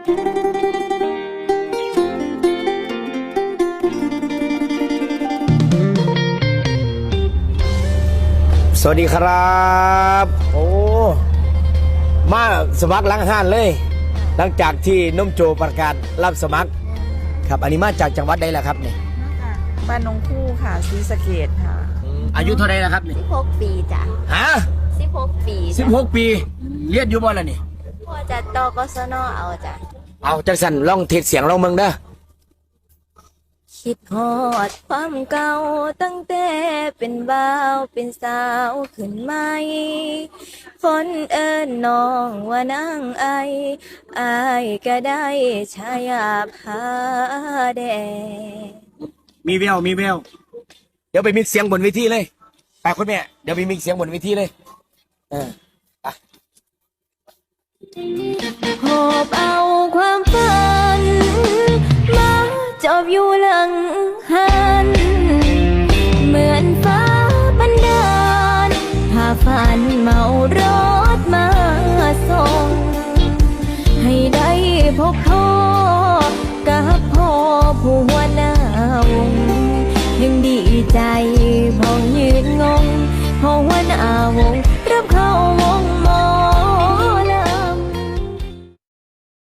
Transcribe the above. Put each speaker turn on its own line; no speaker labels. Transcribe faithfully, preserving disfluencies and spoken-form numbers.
สวัสดีครับโอ้มาสมัครหลังห้านเลยหลังจากที่น้มโจประกาศรับสมัครครับอันนี้มาจากจังหวัดใดล่ะครับเนี่ย
บ้านนงคู่ค่ะศรีสะเกษค่ะ
อายุเท่าไรล่ะครับเนี่ย
สิบหกปีจ้ะ
ฮะ
สิบหกปี
สิบหกปีเรียนอยู่บ่ล่ะนี่
พ่อจะตกสนเอาจ้ะ
เอาจังสันลองเทศเสียงลองเมืองเด้อ
คิดฮอดความเก่าตั้งแต่เป็นบ่าวเป็นสาวขึ้นใหม่คนเอิ้นน้องว่านางไออายก็ได้ชายาพาแดง
มีแววมีแววเดี๋ยวไปมิกเสียงบนเวทีเลยไปคุณแม่เดี๋ยวไปมิกเสียงบนเวทีเลยเออ
หอบเอาความฝันมาจอบอยู่หลังหันเหมือนฟ้าบันดาลพาฝันเมารถมาส่งให้ได้พบพ่อกับพ่อผู้หัวหน้าวงยังดีใจพองยืนงงพ่อหัวหน้าวง